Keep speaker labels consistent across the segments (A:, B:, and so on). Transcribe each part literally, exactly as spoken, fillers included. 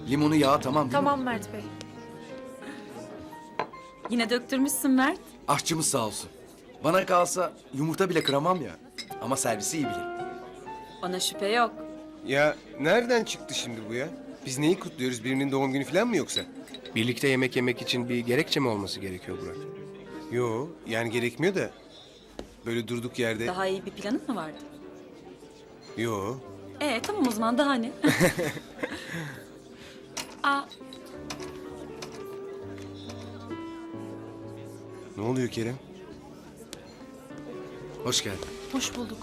A: Limonu yağı tamam değil
B: Tamam
A: mi?
B: Mert Bey.
C: Yine döktürmüşsün Mert.
A: Aşçımız sağ olsun. Bana kalsa yumurta bile kıramam ya. Ama servisi iyi bilirim.
C: Ona şüphe yok.
D: Ya nereden çıktı şimdi bu ya? Biz neyi kutluyoruz? Birinin doğum günü falan mı yoksa?
E: Birlikte yemek yemek için bir gerekçe mi olması gerekiyor Burak?
D: Yo, yani gerekmiyor da. Böyle durduk yerde...
C: Daha iyi bir planın mı vardı?
D: Yo.
C: Ee tamam o zaman daha ne? Aa,
D: Ne oluyor Kerem?
A: Hoş geldin.
B: Hoş bulduk.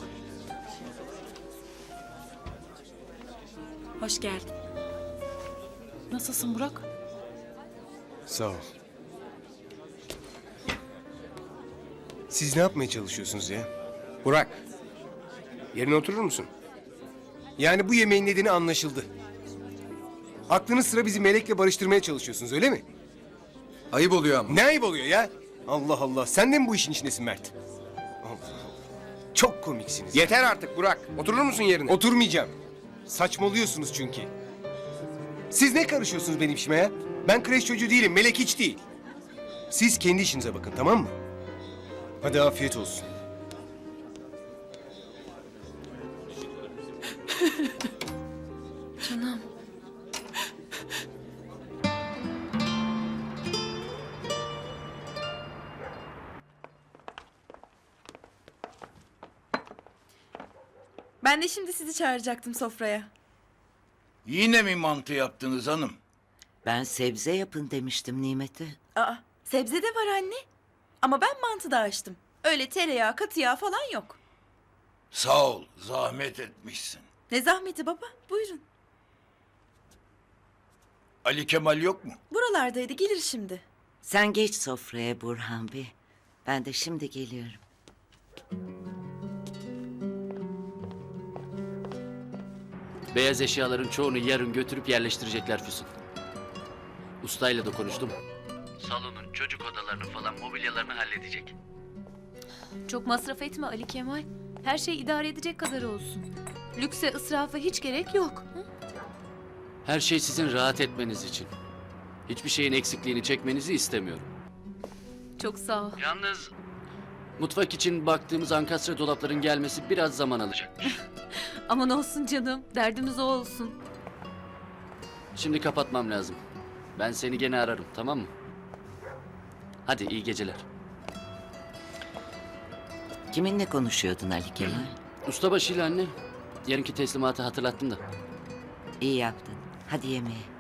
C: hoş geldin.
B: Nasılsın Burak?
D: Sağ ol. Siz ne yapmaya çalışıyorsunuz ya?
E: Burak, yerine oturur musun?
D: Yani bu yemeğin nedeni anlaşıldı. Aklınız sıra bizi Melek'le barıştırmaya çalışıyorsunuz, öyle mi?
A: Ayıp oluyor ama.
D: Ne ayıp oluyor ya? Allah Allah, sen de mi bu işin içindesin Mert? Allah Allah. Çok komiksiniz.
E: Yeter artık Burak. Oturur musun yerine?
D: Oturmayacağım. Saçmalıyorsunuz çünkü. Siz ne karışıyorsunuz benim işime ya? Ben kreş çocuğu değilim, Melek hiç değil. Siz kendi işinize bakın, tamam mı? Hadi afiyet olsun.
B: Canım.
F: Ben de şimdi sizi çağıracaktım sofraya.
G: Yine mi mantı yaptınız hanım?
H: Ben sebze yapın demiştim Nimet'e.
F: Aa, sebze de var anne. Ama ben mantı da açtım. Öyle tereyağı, katı yağ falan yok.
G: Sağ ol, zahmet etmişsin.
F: Ne zahmeti baba, buyurun.
G: Ali Kemal yok mu?
F: Buralardaydı, gelir şimdi.
H: Sen geç sofraya Burhan Bey. Ben de şimdi geliyorum.
I: Beyaz eşyaların çoğunu yarın götürüp yerleştirecekler Füsun. Ustayla da konuştum. Salonun, çocuk odalarını falan mobilyalarını halledecek.
B: Çok masraf etme Ali Kemal. Her şey idare edecek kadar olsun. Lükse, ısrafa hiç gerek yok. Hı?
I: Her şey sizin rahat etmeniz için. Hiçbir şeyin eksikliğini çekmenizi istemiyorum.
B: Çok sağ ol.
I: Yalnız mutfak için baktığımız ankastre dolapların gelmesi biraz zaman alacak.
B: Aman olsun canım. Derdimiz o olsun.
I: Şimdi kapatmam lazım. Ben seni gene ararım, tamam mı? Hadi iyi geceler.
H: Kiminle konuşuyordun Ali Kemal?
I: Ustabaşıyla anne. Yarınki teslimatı hatırlattın da.
H: İyi yaptın. Hadi yemeğe.